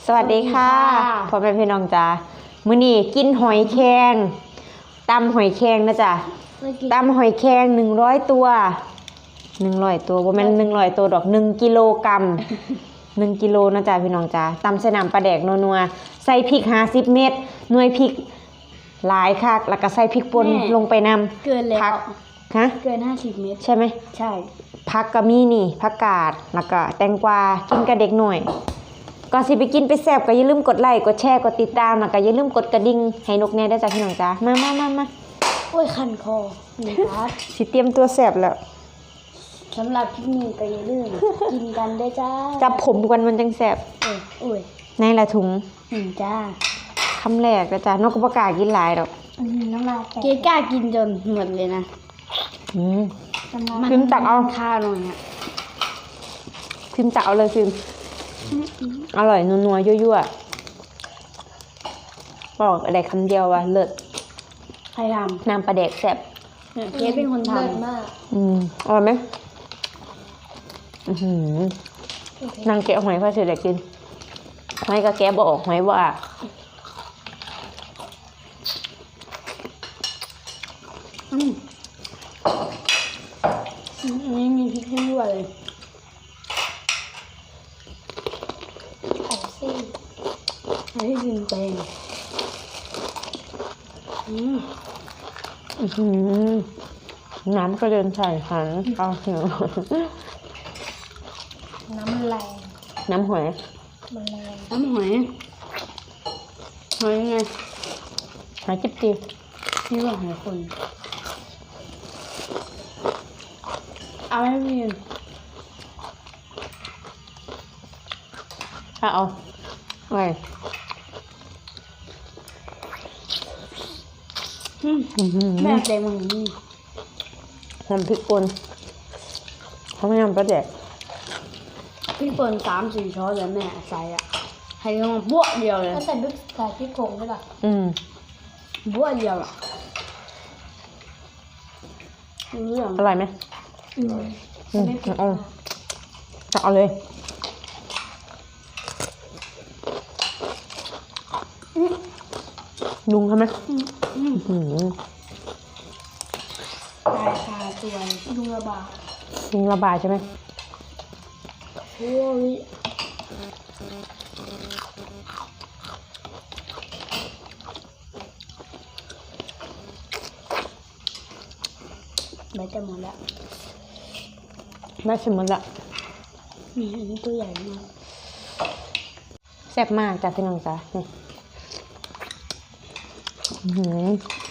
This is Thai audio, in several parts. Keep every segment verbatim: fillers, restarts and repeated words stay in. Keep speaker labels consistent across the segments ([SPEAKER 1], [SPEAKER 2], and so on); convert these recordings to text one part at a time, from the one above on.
[SPEAKER 1] สวัสดีค่ะพ่อแม่พี่น้องจ้ามื้อนี้กินหอยแครงตำหอยแครงนะจ๊ะตำหอยแครงหนึ่งร้อยตัวหนึ่งร้อยตัวบ่แม่นหนึ่งร้อยตัวดอกหนึ่งกิโลกรัมหนึ่งกิโลนะจ๊ะพี่น้องจ้าตำใส่น้ำปลาแดกนัวๆใส่พริกห้าสิบเม็ดหน่วยพริกหลายคักแล้วก็ใส่พริกป่นลงไปนำ
[SPEAKER 2] เกินแล้ว
[SPEAKER 1] ผักฮะ
[SPEAKER 2] เกินห้าสิบเม็ด
[SPEAKER 1] ใช่ไหม
[SPEAKER 2] ใช่
[SPEAKER 1] ผักก็มีนี่ผักกาดแล้วก็แตงกวากินกับเด็กหน่อยก่อนสิไปกินไปแซ่บก็อย่าลืมกดไลค์กดแชร์กดติดตามแล้วก็อย่าลืมกดกระดิ่งให้นกแน่ได้จ้ะพี่น้องจ้ามามามามา
[SPEAKER 2] โอ้ยคันคอนี่ครับ
[SPEAKER 1] สิเตรียมตัวแซ่บแล้ว
[SPEAKER 2] สำหรับคลิปนี้ก็อย่าลืมกินกันได้จ้า
[SPEAKER 1] จับผมกันมันจังแซ่บ
[SPEAKER 2] เออโอ้ย
[SPEAKER 1] ในละถุง
[SPEAKER 2] อืมจ้า
[SPEAKER 1] คำแรกนะจ้านกก็บ่กล้ากินหลายดอก
[SPEAKER 2] อืมน้ำลายแตกเกกล้ากินจนหมดเลยนะ
[SPEAKER 1] อืมพิมพ์ตักเอา
[SPEAKER 2] ข้าวหน่อยฮะ
[SPEAKER 1] พิมพ์ตักเอาเลยพิมพ์อร่อยนัวๆยั่วๆบอกอะไรคำเดียวว่าเลิศ
[SPEAKER 2] ใครทำ
[SPEAKER 1] น้ำปลาแดกแซ่บ
[SPEAKER 2] เจ๊เป็นคนทำเลิศมาก
[SPEAKER 1] อืมอร่อยไหมอือหือนางแกะหอยพ่อเสร็จแล้วกินหอยก็แกะบ่ออกหอยว่า
[SPEAKER 2] อืมอันนี้มีพริกด้วยเลยไข่ซี่ไข่ที่กินเป็นอืม
[SPEAKER 1] อือน้ำก็เดินใส่หันเอาเหียว
[SPEAKER 2] น้ำมันแรง
[SPEAKER 1] น้ำหอย
[SPEAKER 2] มันแรงน้ำหอยหอยไง
[SPEAKER 1] หอยจิ๊บจิ๊บ
[SPEAKER 2] นี่ว่าหอยคนเอาให้พี่
[SPEAKER 1] ถ้าเอาอะไร
[SPEAKER 2] แม่ใจมึงนี่
[SPEAKER 1] ทำพริกป่นเขาไม่ทำปลาแดก
[SPEAKER 2] พริกป่นสามสี่ช้อนเลยแม่ใส่อ่ะให้ลงบ้วเดียวเลย
[SPEAKER 3] ก็ใส่พริกใส่พริกผงด้วยป่ะ
[SPEAKER 1] อืม
[SPEAKER 2] บ้วเดียวอ่ะเรื่อง
[SPEAKER 1] อร่อยไหม
[SPEAKER 2] อืม
[SPEAKER 1] อืมเอาตักเอาเลยลุงทำไหม
[SPEAKER 2] อืม
[SPEAKER 1] อืม
[SPEAKER 2] ตายคาตัวลุงระบาด
[SPEAKER 1] ลุงระบายใช่ไหม
[SPEAKER 2] โอ้ยแม่จะหมดแล้ว
[SPEAKER 1] แม่ชิมหมดละ
[SPEAKER 2] มีอันนี้ตัวใหญ่มาก
[SPEAKER 1] แซ่บมากจ้ะพี่น้องจ้ะนี่อืม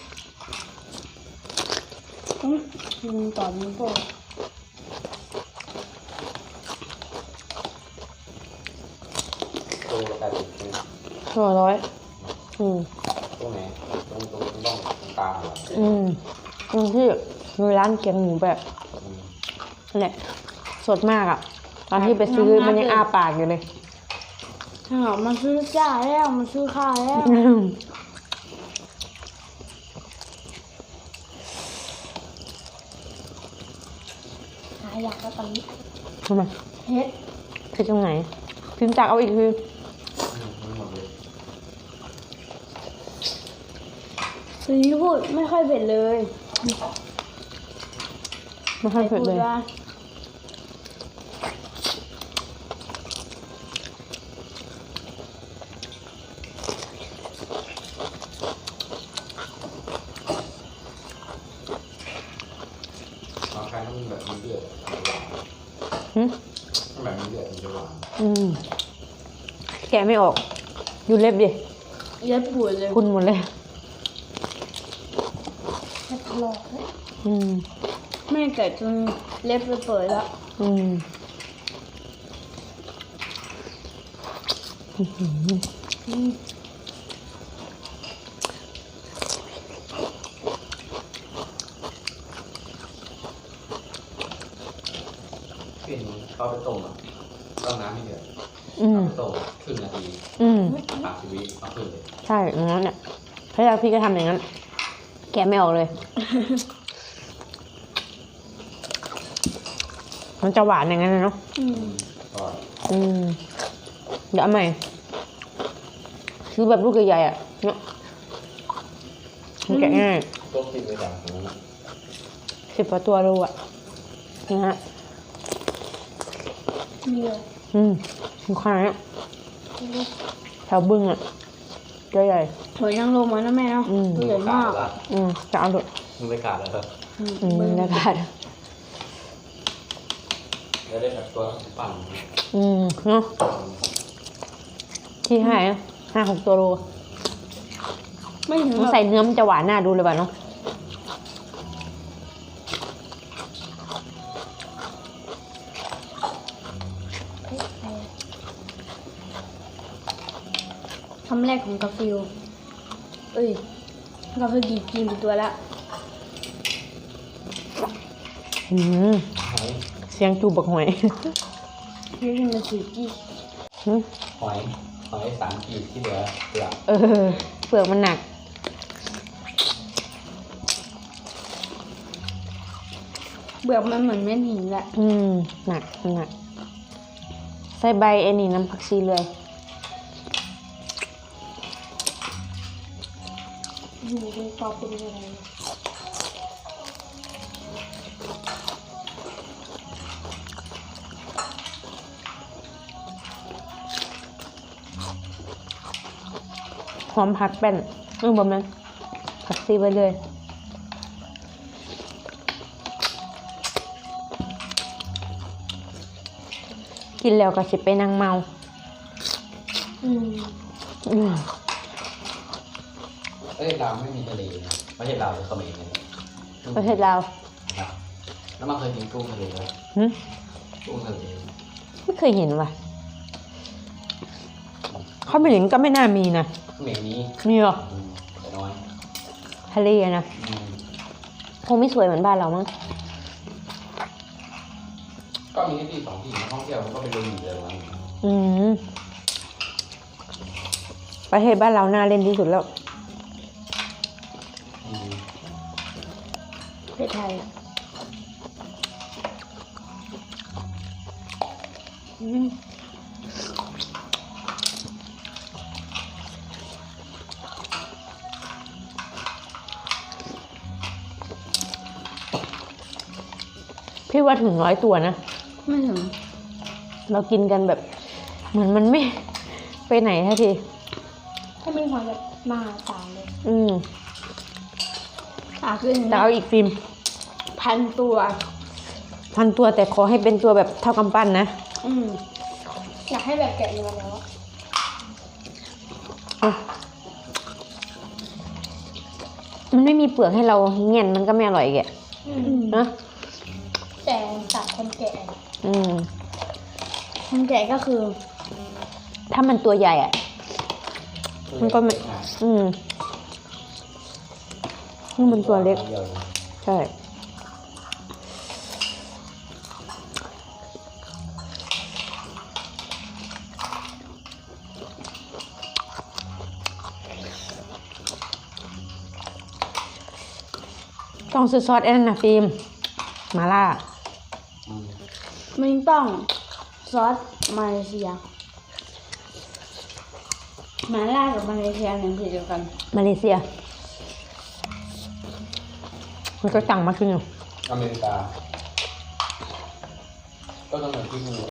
[SPEAKER 2] อืมต่อนี้ก็
[SPEAKER 4] ตัวละแปดสิบ
[SPEAKER 1] ตัวร้อยอืม
[SPEAKER 4] ตรงไหนตรงตรงตรงตรงกลางเหรอ
[SPEAKER 1] อืมตรงที่มีร้านเกี๊ยวหมูแบบเนี่ยสดมากอ่ะตอนที่ไปซื้อมันยังอ้าปากอยู่เลย
[SPEAKER 2] ถ้ามันซื้อจ้าแล้วมันซื้อข้าวแล้ว
[SPEAKER 3] หาอยากก็ตอนนี้
[SPEAKER 1] ทำไม
[SPEAKER 2] เฮ็ด
[SPEAKER 1] คือตรงไหนพิมพ์จากเอาอีกคือ
[SPEAKER 2] สีพูดไม่ค่อยเผ็ดเลย
[SPEAKER 1] ไม่ค่อยเผ็ดเลย
[SPEAKER 4] บางครั้งมันแบบมันเดือด
[SPEAKER 1] อืม
[SPEAKER 4] แบบมันเดือดมันจะหวาน
[SPEAKER 1] อืมแกะไม่ออกดูเล็บดิ
[SPEAKER 2] เล็บปวดเลย
[SPEAKER 1] คุณหมดเลย
[SPEAKER 3] แค่หลอกเลย
[SPEAKER 1] อืม
[SPEAKER 2] แม่แกะจนเล็บไปเปิดแล้ว
[SPEAKER 1] อืม
[SPEAKER 2] อืม
[SPEAKER 4] เป็นเขาไปต้มอ่ะต้มน้ำไม่เดือดไปต้มครึ่งนาทีสามสิบวิเอาขึ้นเลย
[SPEAKER 1] ใช่อย่างนั้นเนี่ยพระยาพี่ก็ทำอย่างนั้นแกะไม่ออกเลยมันจะหวานอย่างนั้นเนาะอืมอืมเดี๋ยวเอาใหม่ซื้อแบบลูกใหญ่ๆอ่ะเนาะมันแกะง่าย
[SPEAKER 4] ต้มกินไปจากตรงนั้นนะ
[SPEAKER 1] สิบกว่าตัวโลอ่ะนะฮะ
[SPEAKER 3] มีเลย
[SPEAKER 1] อืมมีขนาดเนี้ยแถวบึ้งอ่ะตัวใหญ่
[SPEAKER 2] หอยนางรมมันนะแม่เนาะ
[SPEAKER 1] อืม
[SPEAKER 2] ตัวใหญ่มาก
[SPEAKER 4] ละ
[SPEAKER 1] อืมจะเอาดู
[SPEAKER 4] มึงไม่ขาดแล้วเหรอ
[SPEAKER 2] อืม
[SPEAKER 1] อืมบรรยากาศ
[SPEAKER 4] แล้วได้แบบตัวปั่น
[SPEAKER 1] อืมเนาะที่ให้อะห้าหกตัวโล
[SPEAKER 2] ไม่ถึง
[SPEAKER 1] มัน
[SPEAKER 2] แบบ
[SPEAKER 1] ใส่เนื้อมันจะหวานน่าดูเลยป่ะเนาะ
[SPEAKER 3] เฮ้ยไป
[SPEAKER 2] คำแรกของกาฟิลเอ้ยกาฟิลกินกินไปตัวละ
[SPEAKER 1] อืม
[SPEAKER 4] หอย
[SPEAKER 1] เสียงจูบบักหอย
[SPEAKER 2] พี่กินมาสี่กี่
[SPEAKER 1] หืม
[SPEAKER 4] หอยหอยสามขีดที่เหลือเปลือก
[SPEAKER 1] เออเปลือกมันหนัก
[SPEAKER 2] เบือกมันเหมือนเม็ดหินแหละ
[SPEAKER 1] อืมหนักหนัก ใส่ใบไอ้นี่น้ำผักชีเลย
[SPEAKER 3] อยู่ในกรอบเป็นอะไร
[SPEAKER 1] หอมผักแป้นเออบ่แม่นผักซีไปเลย กินแล้วก็สิไปนั่งเมา
[SPEAKER 3] อืม
[SPEAKER 1] อืม
[SPEAKER 4] เอ้ยลาวไม่มีทะเลนะไม่ใช่ลาวหรือเขมรนะ
[SPEAKER 1] ประเทศลาว
[SPEAKER 4] ครับแล้วมันเคยกินกุ้งทะเลไหม
[SPEAKER 1] หึ
[SPEAKER 4] กุ้งทะเล
[SPEAKER 1] ไม่เคยเห็นว่ะเขาไม่เห็นก็ไม่น่ามีนะ
[SPEAKER 4] เขมรนี้
[SPEAKER 1] มีหรอ
[SPEAKER 4] อืมแต่น้อย
[SPEAKER 1] ทะเลอะนะ
[SPEAKER 4] อืม
[SPEAKER 1] คงไม่สวยเหมือนบ้านเรามั้ง
[SPEAKER 4] ก็มีที่สองที่นักท่องเที่ยวมันก็ไปดูอยู่เลยวัน
[SPEAKER 1] อืมประเทศบ้านเราน่าเล่นที่สุดแล้ว
[SPEAKER 4] อืม
[SPEAKER 2] ประเทศไทยอะอืม
[SPEAKER 1] พี่ว่าถึงร้อยตัวนะ
[SPEAKER 2] ไม่ถึง
[SPEAKER 1] เรากินกันแบบ เหมือนมันไม่ ไปไหนทันที
[SPEAKER 3] ถ้ามีความแบบมหาศาลเลย
[SPEAKER 1] อืม
[SPEAKER 2] อ่ะคือ
[SPEAKER 1] แต่เอาอีกฟิล์ม
[SPEAKER 2] พันตัว
[SPEAKER 1] พันตัวแต่ขอให้เป็นตัวแบบเท่ากำปั้นนะ
[SPEAKER 2] อืม
[SPEAKER 3] อยากให้แบบแกะเนื้อแล้วอะ
[SPEAKER 1] อ่ะมันไม่มีเปลือกให้เราเงี้ยนมันก็ไม่อร่อยแกะ
[SPEAKER 3] อืม
[SPEAKER 1] นะ
[SPEAKER 3] แต่สัตว์คนแกะ
[SPEAKER 1] อืม
[SPEAKER 2] คนแก่ก็คือ
[SPEAKER 1] ถ้ามันตัวใหญ่อ่ะ มันก็ไม่ อืมนี่มันตัวเล็ก
[SPEAKER 4] ดียว
[SPEAKER 1] ใช่ ต้องซื้อซอสไอ้นั่นนะฟิล์มมาล่า
[SPEAKER 4] อืม
[SPEAKER 2] มันต้องซอสมาเลเซียมาล่ากับมาเลเซียเนี่ยผิดเดียวกัน
[SPEAKER 1] มาเลเซีย มันก็สั่งมาคือหนึ่ง
[SPEAKER 4] อเมริกา ก็ต้องเหมือนที่นู่น